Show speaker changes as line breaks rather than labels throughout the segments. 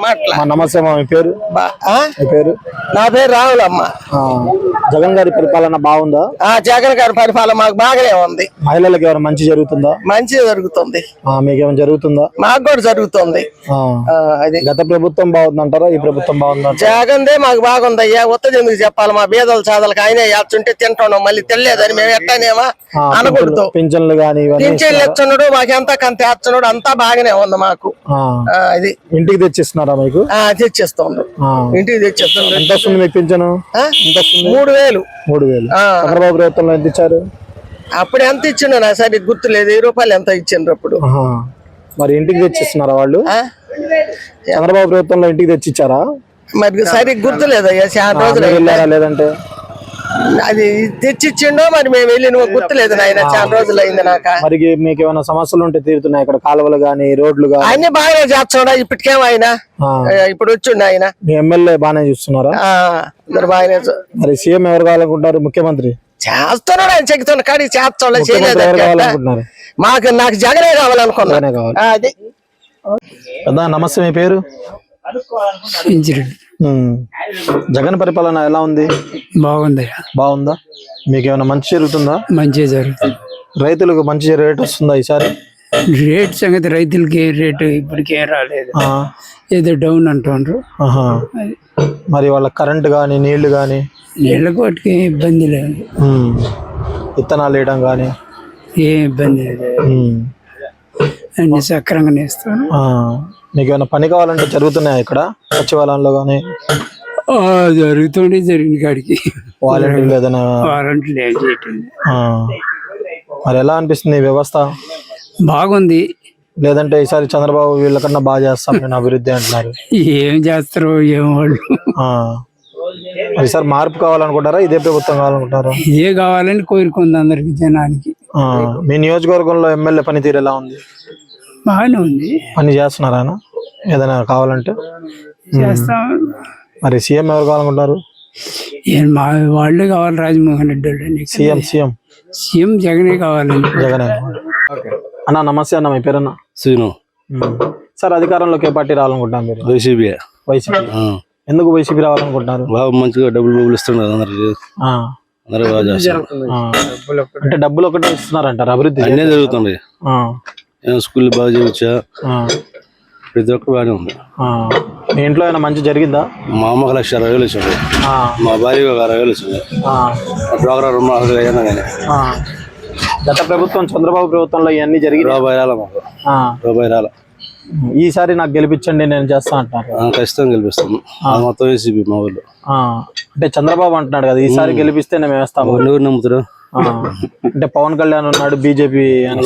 నమస్తే మా, మీ పేరు? మీ పేరు?
నా పేరు రావులమ్మ.
జగన్ గారి పరిపాలన బాగుందా?
జగన్ గారి పరిపాలన మాకు బాగానే ఉంది.
మహిళలకు ఏమైనా మంచి జరుగుతుందా?
మంచి జరుగుతుంది.
మీకేమైనా జరుగుతుందా?
మాకు కూడా జరుగుతుంది.
అది గత ప్రభుత్వం బాగుందంటారా, ఈ ప్రభుత్వం బాగుందా?
జగన్దే మాకు బాగుంది అయ్యా. ఉత్తది ఎందుకు చెప్పాలి? మా బీదల చాదలకు ఆయనే వేస్తుంటే తింటున్నాం. మళ్ళీ తెలియదని మేము ఎట్టానేమా అనకూడదు.
పింఛన్లు గానీ
పింఛన్లు ఇస్తున్నాడు, మాకు ఎంత కంత వేస్తున్నాడు, అంతా బాగానే ఉంది మాకు. ఇది
ఇంటికి తెచ్చిస్తున్నారా మీకు?
తెచ్చిస్తుంది, ఇంటికి తెచ్చిస్తుంది.
ఎంత వస్తుంది మీకు పింఛను?
3000.
3000 చంద్రబాబు ప్రభుత్వంలో ఎంత ఇచ్చారు?
అప్పుడు ఎంత ఇచ్చిండో నాకు సరిగ్గా గుర్తులేదు. 1000 రూపాయలు ఎంత ఇచ్చిండ్రు అప్పుడు.
మరి ఇంటికి తెచ్చిస్తున్నారా వాళ్ళు? చంద్రబాబు ప్రభుత్వంలో ఇంటికి తెచ్చిచ్చారా?
మరి సరిగ్గా గుర్తులేదు అయ్యా. చాలా రోజులు
వెళ్ళారా? లేదంటే
అది తెచ్చిచ్చిండో మరి మేము వెళ్ళి గుర్తులేదు నాయన. చాలా రోజులు అయింది నాకు.
మరి మీకు ఏమైనా సమస్యలు ఉంటే తీరుతున్నాయి ఇక్కడ? కాలువలు గానీ, రోడ్లు గానీ
అన్ని బాగానే చేస్తున్నాడా? ఇప్పటికేమో ఆయన ఇప్పుడు వచ్చిండు ఆయన.
మీ ఎమ్మెల్యే బాగానే చూస్తున్నారా?
బాగానే.
మరి సీఎం ఎవరు కావాలనుకుంటారు? ముఖ్యమంత్రి
చేస్తున్నాడు, ఆయన చెక్కుతున్న కాడికి చేస్తాడు. చేయలేదు. నాకు జగనే కావాలనుకున్నానే కావాలి. అది
నమస్తే, మీ పేరు? జగన్ పరిపాలన ఎలా ఉంది?
బాగుంది.
బాగుందా? మీకు ఏమైనా మంచి జరుగుతుందా?
మంచి జరుగుతుంది.
రైతులకు మంచి రేట్ వస్తుందా ఈసారి?
రేట్ సంగతి రైతులకి రేటు ఇప్పటికే రాలేదు, ఏదో డౌన్ అంటుండ్రు.
మరి వాళ్ళ కరెంట్ గానీ, నీళ్లు గానీ?
నీళ్ళకి వాటికి ఇబ్బంది లేదు.
విత్తనాలు వేయడం గానీ
ఏ ఇబ్బంది లేదు, అన్ని సక్రంగానే ఇస్తాను.
మీకు ఏమైనా పని కావాలంటే జరుగుతున్నాయా ఇక్కడ సచివాలయంలో గానీ?
జరుగుతుంది, జరిగిన కాడికి.
వాలంటీర్లు ఏదైనా?
వాలంటీర్లు ఏం చేయటం.
మరి ఎలా అనిపిస్తుంది వ్యవస్థ?
బాగుంది.
లేదంటే ఈసారి చంద్రబాబు వీళ్ళకన్నా బాగా చేస్తాం నేను అభివృద్ధి అంటున్నారు.
ఏం చేస్తారో ఏం వాళ్ళు.
ఈసారి మార్పు కావాలనుకుంటారా, ఇదే ప్రభుత్వం కావాలనుకుంటారా?
ఇదే కావాలని కోరుకుంది అందరికి, జనానికి.
మీ నియోజకవర్గంలో ఎమ్మెల్యే పనితీరు ఎలా ఉంది?
బాగానే ఉంది.
పని చేస్తున్నారా ఏదైనా కావాలంటే?
చేస్తాం.
మరి సీఎం ఎవరు కావాలనుకుంటారు?
మా వాళ్ళే కావాలి, రాజమోహన్ రెడ్డి వాళ్ళని. సీఎం జగనే కావాలండి.
జగనే. అన్న నమస్తే అన్న, మీ పేరన్నా?
శ్రీను.
సార్ అధికారంలోకి ఏ పార్టీ రావాలనుకుంటున్నారు మీరు?
వైసీపీ.
వైసీపీ. ఎందుకు వైసీపీ రావాలనుకుంటున్నారు?
బాగా మంచిగా డబ్బులు ఇస్తున్నారు అందరికి.
అంటే డబ్బులు ఒకటే ఇస్తున్నారంటారు, అభివృద్ధి
అన్నీ జరుగుతుంది. స్కూల్ బాగా చేయవచ్చా? ప్రతి ఒక్కరు బాగానే ఉంది.
మీ ఇంట్లో ఏమైనా మంచి జరిగిందా?
మా అమ్మకి 1,60,000 వచ్చింది, మా భార్యకి 60,000 వచ్చింది. డ్వాక్రా రుణం అయినా కానీ.
గత ప్రభుత్వం చంద్రబాబు ప్రభుత్వంలో ఇవన్నీ జరిగింది.
రూపాయి రాల మాకు, రూపాయి రాల.
ఈసారి నాకు గెలిపించండి, నేను చేస్తా అంటారు.
ఖచ్చితంగా గెలిపిస్తాము. మొత్తం వైసీపీ మా ఊళ్ళో.
అంటే చంద్రబాబు అంటున్నాడు కదా, ఈసారి గెలిపిస్తే మేము వేస్తాము.
ఎవరు నమ్ముతారు?
అంటే పవన్ కళ్యాణ్ ఉన్నాడు, బీజేపీ అని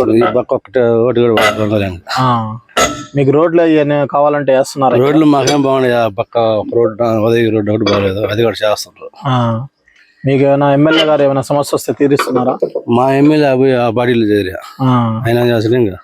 మీకు రోడ్లు కావాలంటే వేస్తున్నారు?
రోడ్లు మాకేం బాగున్నాయి. పక్క రోడ్ ఉదయ రోడ్డు ఒకటి బాగాలేదు, అది కూడా చేస్తున్నారు.
మీకు ఏమైనా ఎమ్మెల్యే గారు ఏమైనా సమస్య వస్తే తీరుస్తున్నారా?
మా ఎమ్మెల్యే ఆ పార్టీలో చేరి ఆయన చేస్తారు. ఇంకా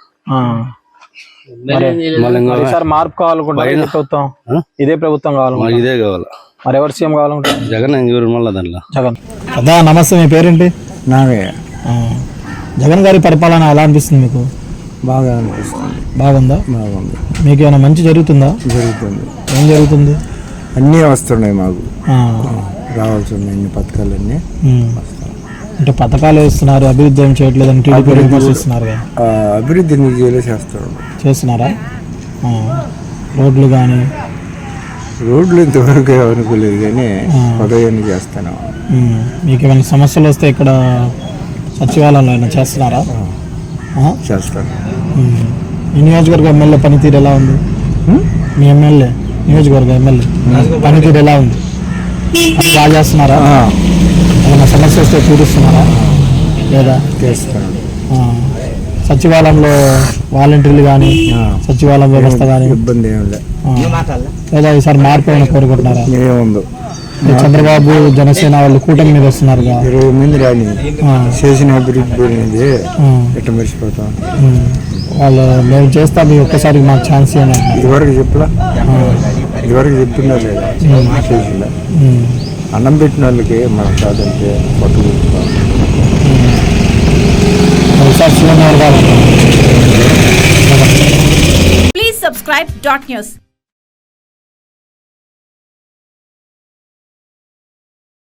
ఈసారి మార్పు కావాలనుకుంటే ప్రభుత్వం ఇదే ప్రభుత్వం కావాలి,
ఇదే కావాలి.
మరి ఎవరు సీఎం కావాలనుకుంటారు?
జగన్. ఇంకెవరు మళ్ళీ దాంట్లో
జగన్. అదా నమస్తే, మీ పేరేంటి?
నాగయ్య.
జగన్ గారి పరిపాలన ఎలా అనిపిస్తుంది మీకు?
బాగా అనిపిస్తుంది.
బాగుందా?
బాగుంది.
మీకు ఏమైనా మంచి జరుగుతుందా?
జరుగుతుంది.
ఏం జరుగుతుంది?
అన్నీ వస్తున్నాయి మాకు, రావాల్సిన అన్ని పథకాలన్నీ.
అంటే పథకాలు వేస్తున్నారు, అభివృద్ధి ఏం చేయట్లేదని టీడీపీ విమర్శిస్తున్నారు.
అభివృద్ధి చేస్తారు.
చేస్తున్నారా? రోడ్లు కానీ?
రోడ్లు ఇంతవరకు అనుకోలేదు కానీ ఉదయాన్ని చేస్తాను.
మీకు ఏమైనా సమస్యలు వస్తే ఇక్కడ సచివాలయంలో ఏమైనా చేస్తున్నారా?
చేస్తాను.
మీ నియోజకవర్గ ఎమ్మెల్యే పనితీరు ఎలా ఉంది? మీ ఎమ్మెల్యే నియోజకవర్గ ఎమ్మెల్యే పనితీరు ఎలా ఉంది? అది బాగా చేస్తున్నారా? ఏమైనా సమస్య వస్తే తీరుస్తున్నారా లేదా?
చేస్తాను.
సచివాలయంలో వాలంటీర్లు కానీ, సచివాలయం వ్యవస్థ కానీ
ఇబ్బంది ఏం లేదు
లేదా? ఈసారి మార్పు ఏమైనా కోరుకుంటున్నారా?
ఏముందో,
చంద్రబాబు జనసేన వాళ్ళు కూటమి మీద వస్తున్నారు,
20 మంది రాని చేసిన అభివృద్ధి ఎట్లా మర్చిపోతాం.
వాళ్ళు మేము చేస్తాం, ఒక్కసారి మాకు ఛాన్స్ ఇవ్వండి.
ఇదివరకు చెప్పలా? ఇదివరకు చెప్తున్నారు లేదా? చేసిలా అన్నం పెట్టిన వాళ్ళకి మనం కాదంటే పట్టు.
Please subscribe .news.